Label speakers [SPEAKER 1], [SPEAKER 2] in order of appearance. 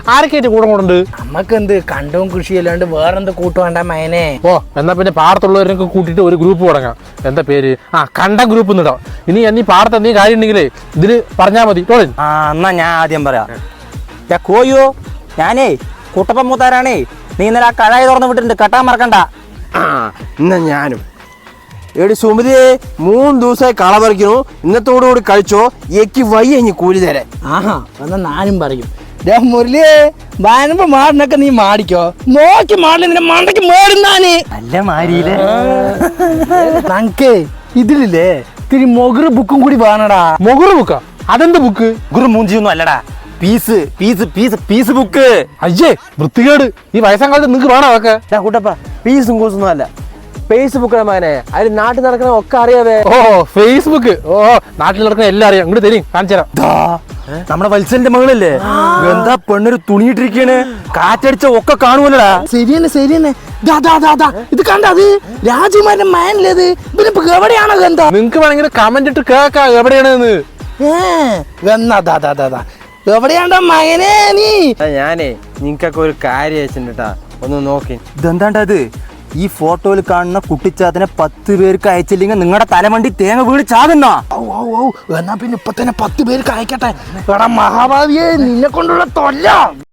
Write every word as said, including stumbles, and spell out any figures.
[SPEAKER 1] ആരൊക്കെയായിട്ട് കൂടെ കൂടുണ്ട്?
[SPEAKER 2] നമ്മക്കെന്ത് കണ്ടവും കൃഷി അല്ലാണ്ട് വേറെന്ത് കൂട്ടു വേണ്ട മയനെ.
[SPEAKER 1] ഓ എന്നാ പിന്നെ പാടത്തുള്ളവരൊക്കെ കൂട്ടിയിട്ട് ഒരു ഗ്രൂപ്പ് തുടങ്ങാം. എന്താ പേര്? ആ കണ്ടം ഗ്രൂപ്പ് എന്നിടാം. ഇനി എന്നീ പാടത്ത് എന്തെങ്കിലും കാര്യം ഉണ്ടെങ്കിലേ ഇതില് പറഞ്ഞാൽ മതി. ടോളിൻ
[SPEAKER 3] ആ എന്നാ ഞാൻ ആദ്യം പറയാം. കോയോ ഞാനേ കുട്ടപ്പൻ മൂത്താരാണേ. നീ ഇന്നലെ ആ കഴായി തുറന്ന് വിട്ടിട്ടുണ്ട്, കെട്ടാൻ മറക്കണ്ട.
[SPEAKER 4] ആ എന്നാ ഞാനും എടി സുമതിയെ മൂന്ന് ദിവസമായി കള പറിക്കണു. ഇന്നത്തോടു കൂടി കഴിച്ചോ, എനിക്ക് വയ്യ ഇനി കൂലി തരാൻ.
[SPEAKER 2] ആഹാ എന്നാ ഞാനും പറയും. മുരളിയെ വരുമ്പോ മാടിനൊക്കെ നീ മാടിക്കോ, നോക്കി മാടില്ല നിന്റെ മണ്ടയ്ക്ക് മേടുന്നാന്.
[SPEAKER 3] നല്ല മാരിയില്ലേ
[SPEAKER 2] നമുക്ക് ഇതിലില്ലേ ഇത്തിരി മൊഗറ് ബുക്കും കൂടി വേണടാ.
[SPEAKER 1] മൊഗറ് ബുക്കാ? അതെന്ത് ബുക്ക്?
[SPEAKER 3] ഗുരു മൂഞ്ചിയൊന്നും അല്ലടാ, piece piece piece piece book.
[SPEAKER 1] അയ്യേ വൃത്തികേട്. ഈ വയസ്സാം കാലത്ത് നിങ്ങക്ക് വേണോ അതൊക്കെ?
[SPEAKER 4] കൂട്ടപ്പ പീസും കൂസൊന്നും അല്ല, ഫേസ്ബുക്ക് മകനെ. അതിൽ നാട്ടിൽ നടക്കണ ഒക്കെ അറിയാവേ.
[SPEAKER 1] ഓ ഫേസ്ബുക്ക്. ഓ നാട്ടിൽ നടക്കുന്ന എല്ലാം അറിയാം. ഇങ്ങോട്ട് തരും കാണിച്ചു തരാം.
[SPEAKER 3] നമ്മുടെ വത്സലിന്റെ മകളല്ലേ, എന്താ പെണ്ണൊരു തുണിയിട്ടിരിക്കാണ്, കാറ്റടിച്ച ഒക്കെ കാണുമല്ലടാ.
[SPEAKER 2] ശരിയെന്നെ ശരിയെന്നെ. ഇത് കണ്ട, അത് രാജകുമാരന്റെ മയനിലേത്. ഇവനിപ്പോ എവിടെയാണോ എന്താ?
[SPEAKER 1] നിങ്ങക്ക് വേണമെങ്കിൽ കമന്റ് ഇട്ട് കേൾക്കാം എവിടെയാണെന്ന്.
[SPEAKER 2] എവിടെയാണ്ടാ മകനെ നീ?
[SPEAKER 4] ഞാനേ നിങ്ങക്കൊക്കെ ഒരു കാര്യം അയച്ചിട്ടാ, ഒന്ന് നോക്കി.
[SPEAKER 3] ഇതെന്താണ്ടത്? ഈ ഫോട്ടോയിൽ കാണുന്ന കുട്ടിച്ചാത്തിനെ പത്ത് പേർക്ക് അയച്ചില്ലെങ്കിൽ നിങ്ങളുടെ തലമണ്ടി തേങ്ങ വീട് ചാകുന്ന.
[SPEAKER 2] എന്നാ പിന്നെ ഇപ്പൊ തന്നെ പത്ത് പേർക്ക് അയക്കട്ടെ. എടാ മഹാഭാവിയെ, നിന്നെ കൊണ്ടുള്ള തൊല്ല.